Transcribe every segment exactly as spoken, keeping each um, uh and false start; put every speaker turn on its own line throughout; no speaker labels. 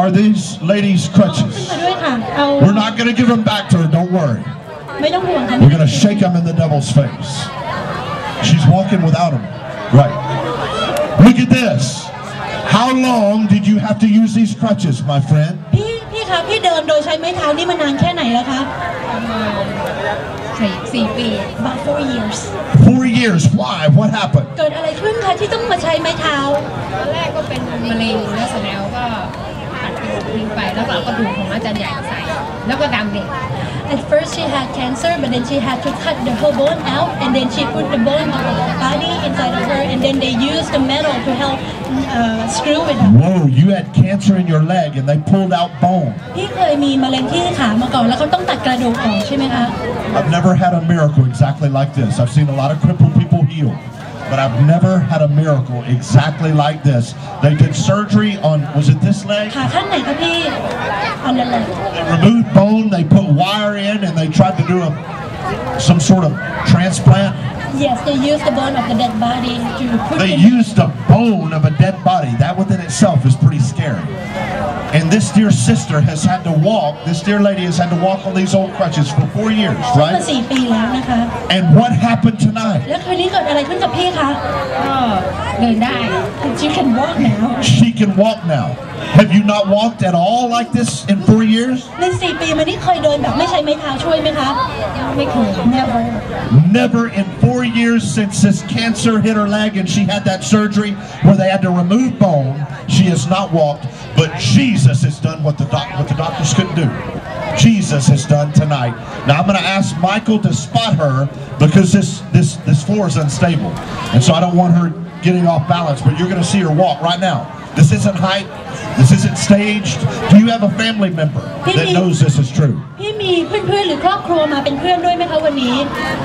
are these ladies' crutches? We're not going to give them back to her, don't worry. We're going to shake them in the devil's face. She's walking without them. Right. Look at this. How long did you have to use these crutches, my friend?
พี่พี่คะพี่เดินโดยใช้ไม้เท้านี่มานานแค่ไหนแล้วคะสี่สี่ปี about four years
four years why what happened
เกิดอะไรขึ้นคะที่ต้องมาใช้ไม้เท้า
ตอนแรกก็เป็นมะเร็งแล้วเสร็จแล้วก็ตัดกระดูกทิ้งไปแล้วก็เอากระดูกของอาจารย์ใหญ่ใส่แล้วก็ดำเด็ก
At first she had cancer but then she had to cut the whole bone out and then she put the bone of the body inside of her and then they used the metal to help uh, screw it up.
Whoa, you had cancer in your leg and they pulled out bone.
พี่เคยมีมะเร็งที่ขามาก่อนแล้วเขาต้องตัดกระดูกออกใช่ไหมคะ
I've never had a miracle exactly like this. I've seen a lot of crippled people healed. But I've never had a miracle exactly like this. They did surgery on, was it this leg?
ขาข้างไหนคะพี่ on the leg.
They removed bone, they put wire in, and they tried to do a, some sort of transplant.
Yes, they used the bone of the dead body to put
They used the bone of a dead body. That within itself is pretty scary. And this dear sister has had to walk, this dear lady has had to walk on these old crutches for four years, right?
สี่ปีแล้วนะคะ
And what happened tonight?
แล้วคืนนี้เกิดอะไรขึ้นกับพี่คะก็เดินได้ She can walk now.
She can walk now. Have you not walked at all like this in four years?
ในสี่ปีมานี้เคยเดินแบบไม่ใช้ไม้เท้าช่วยไหมคะไม่เคย Never.
Never in four years since this cancer hit her leg and she had that surgery where they had to remove bone. She has not walked, but Jesus has done what the doc what the doctors couldn't do. Jesus has done tonight. Now I'm going to ask Michael to spot her because this this this floor is unstable, and so I don't want her getting off balance. But you're going to see her walk right now. This isn't hype. This isn't staged. Do you have a family member that knows this is true?
พี่มีเพื่อนๆหรือครอบครัวมาเป็นเพื่อนด้วยไหมคะวันนี้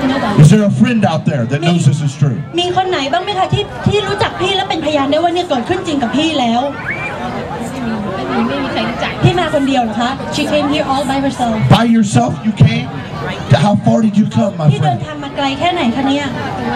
Is there a friend out there that knows this is true?
มีคนไหนบ้างไหมคะที่ที่รู้จักพี่และเป็นพยานได้ว่าเนี่ยเกิดขึ้นจริงกับพี่แล้วไม่มีใครรู้จักพี่มาคนเดียวเหรอคะ She came here all by herself.
By yourself you came? How far did you come, my friend?
พี่เดินทางมาไกลแค่ไหนคะเนี่ย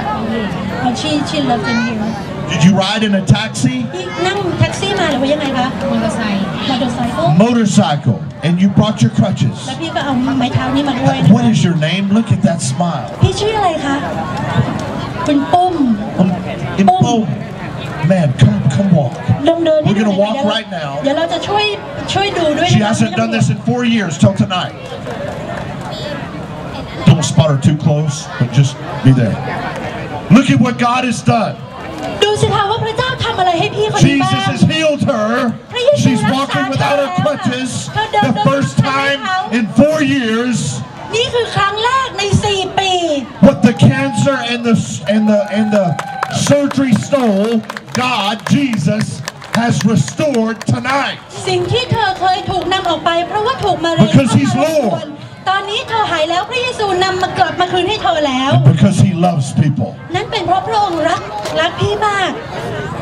She she lived in here.
Did you ride in a taxi?
พี่นั่งแท็กซี่มาหรือว่ายังไงคะมอเตอร์ไซค์มอเตอร์ไซค์
Motorcycle, and you brought your crutches.
แล้วพี่ก็เอาไม้เท้านี่มาด้วย
What is your name? Look at that smile.
พี่ชื่ออะไรคะคุณปุ้ม
ปุ้ม Man, come come walk.
เดินเดิน
We're gonna walk right now.
เดี๋ยวเราจะช่วยช่วยดูด้วย
She hasn't done this in four years till tonight. Don't spot her too close, but just be there. Look at what God has done.
ดูสิคะว่าพระเจ้าทำอะไรให้พี่คนนี้บ้าง
Jesus has healed her. She's walking without her crutches. The first time in four years.
นี่คือครั้งแรกในสี่ปี
What the cancer and the and the and the surgery stole, God, Jesus, has restored tonight.
สิ่งที่เธอเคยถูกนำออกไปเพราะว่าถูกมะเร็ง
Because He's Lord.
ตอนนี้เธอหายแล้วพระเยซูนำมากลับมาคืนให้เธอแล้ว
Because He loves people.
นั่นเป็นเพราะพระองค์รักรักพี่มาก